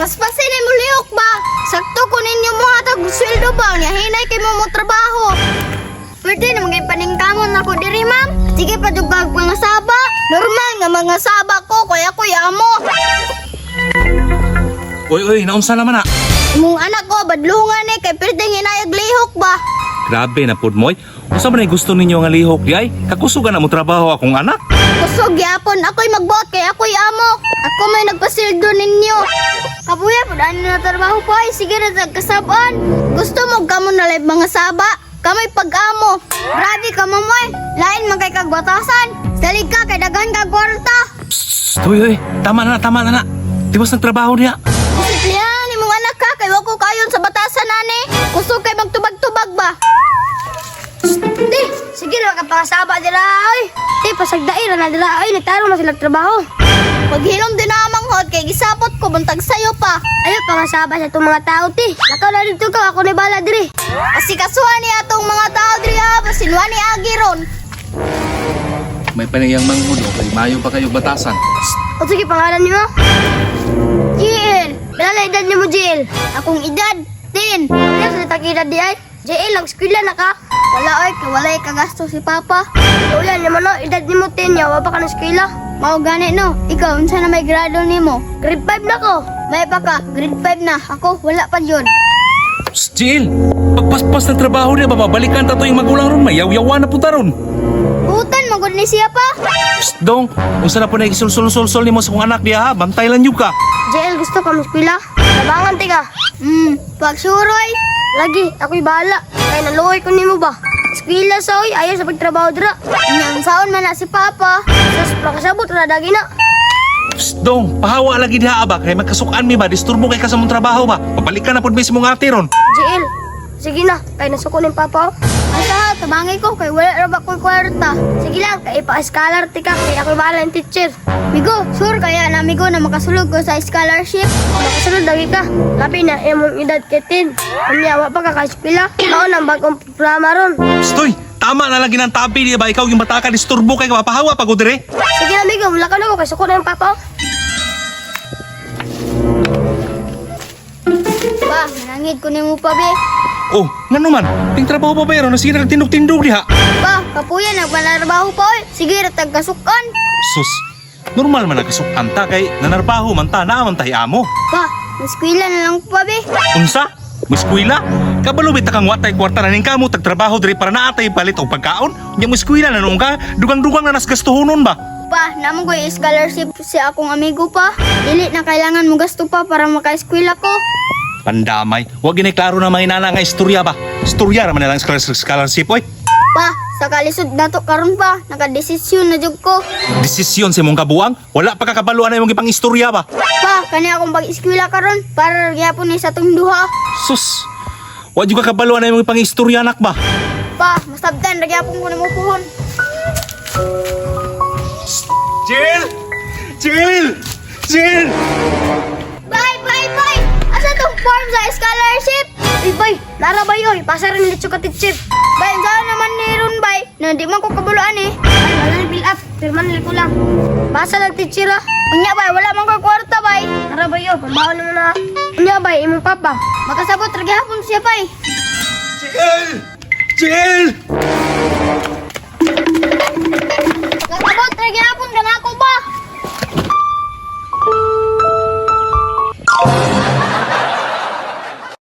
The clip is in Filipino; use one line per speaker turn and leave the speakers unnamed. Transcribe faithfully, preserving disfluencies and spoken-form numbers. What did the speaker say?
Paspasin ni mo lihok ba? Sakto ko ninyo mo hatag sweldo ba? Nya hinay kay mo mo trabaho. Pwede na maging paningkamon ako diri, ma'am. Sige pa dugag mga saba. Normal nga mga saba ko, kaya ko amo.
Uy, uy, naunsa naman na.
Imong anak ko, badlungan eh, kay pwede hinayag lihok ba?
Grabe na pud moy. Unsa man ay gusto ninyo nga lihok di ay? Kakusugan na mo trabaho akong anak.
Kusog yapon, ako'y magbuhat kay ako'y amo. Ako may nagpasildo ninyo. Kabuya, pudaan na trabaho ko ay, sige na tagkasabaan. Gusto mo kamo na live mga saba? Kamay pag-amo. Grabe ka mamoy. Lain man kay kagbatasan. Salig ka kay daghan ka kwarta.
Psst, uy, uy, tama na na, tama na na. Di ba sa trabaho niya?
Yan, imong anak ka kay wako kayon sa batasan nani. Kusog kay magtubag-tubag ba? Di, sige na makapakasaba dira ay. Di, pasagdaira na dira ay, nagtaro na sila trabaho. Paghilom din na manghod kay gisapot ko buntag sayo pa. Ayo pangasaba sa itong mga tao ti. Lakaw na dito ka, ako ni bala diri. Kasi kasuhan ni atong mga tao diri ha, pasinwa ni Agiron.
May panayang manghudo, kay mayo pa kayo batasan.
O sige, pangalan niyo? Jiel. Bilala edad niyo mo, Jiel? Akong edad, ten. Ano sa tag-edad di ay? Jiel, nag-skwila na ka? Wala oy, kay walay kagasto si Papa. Ulan naman no, edad ni mo ten, yawa pa ka ng skwila. Mao gani no, ikaw, unsa na may grado nimo? Grade five na ko. May pa ka, grade five na. Ako, wala pa yun.
Psst, Jill! Pagpaspas ng trabaho niya, babalikan ta to yung magulang ron, may yaw-yawa na punta ron.
Butan, magod ni siya pa.
Psst, dong, unsa na po na isul-sul-sul-sul ni mo sa kong anak niya ha, bantay lang yung ka.
Jiel, gusto ka maskwila? Tabangan, tiga. Hmm, pagsuroy. Lagi, ako'y bahala. Kaya naluoy ko nimo ba? Eskwela sa oy, ayaw sa pagtrabaho dira. Inyang saon man na si Papa. Sus, prakasabot na dagi na.
Psst, dong, pahawa lagi diha ba, kay magkasukan mi ba, disturbo kay ka sa mong trabaho ba, papalikan na po mismo nga ate ron.
Jiel, sige na, kaya nasuko ni Papa. Asa, tabangay ko, kay wala ra ba ko'y kwarta. Sige lang, kay ipa-scholar tika, kay ako'y bahala ng teacher. Migo, sure kaya na migo na makasulog ko sa scholarship. Makasulog lagi ka. Labi na, imong edad kitin. Kanyawa pa ka ka-eskwela. Mao nang bagong programa ron.
Psst, uy, tama na lagi ng tabi niya ba, ikaw yung bata ka, disturbo kay ka, mapahawa pag dire.
Sige na, migo, wala ka na ko, kay suko na yung Papa. Pa, nanangid ko ni mo pa, be.
Oh, nga naman, ting trabaho pa ba yun, sige na tindog-tindog diha.
Pa, kapuya, nagmanarbaho pa, oy. Sige, ratag kasukan.
Sus, normal man nagkasukan ta, kay nanarbaho man ta, naaman tahi amo.
Pa, naskwila na lang pa, be.
Unsa? Muskwila? Kabalubit ta kang watay kwarta na ning kamo tagtrabaho diri para naatay palit og pagkaon. Nya muskwila na noong ka, dugang-dugang na nas gastuhonon ba?
Pa, namang ko yung scholarship si akong amigo pa. Dili na kailangan mo gasto pa para maka-eskwela ko.
Pandamay, wag ginay klaro na may nana nga istorya ba? Istorya ra man na lang scholarship scholarship oy.
Pa, sa kalisod nato karon pa, nakadesisyon na jud ko.
Desisyon sa imong kabuang, wala pa kakabaluan na imong ipang istorya ba?
Pa, kani akong pag-eskwela karon para gyapon ni sa tong duha.
Sus, wag jud ka kabaluan na imong ipang istorya anak ba?
Pa, masabtan ra gyapon ko nimo puhon.
Jill! Jill! Jill!
Bye, bye, bye. Asa tong form sa scholarship? Ay, bay, nara ba yoy? Pasa rin litso ka teacher. Bay, saan naman ni Ron, bay? Na di man ko kabuluan eh. Ay, wala na fill up. Pirman nila ko lang. Basa lang teacher ah. Unya, bay, wala man ko kwarta, bay. Nara ba yoy? Pambaho naman na. Unya, bay, imong papa. Makasabot, ragihapon siya, bay.
Jill! Jill!
Makasabot, ragihapon ka na ako ba?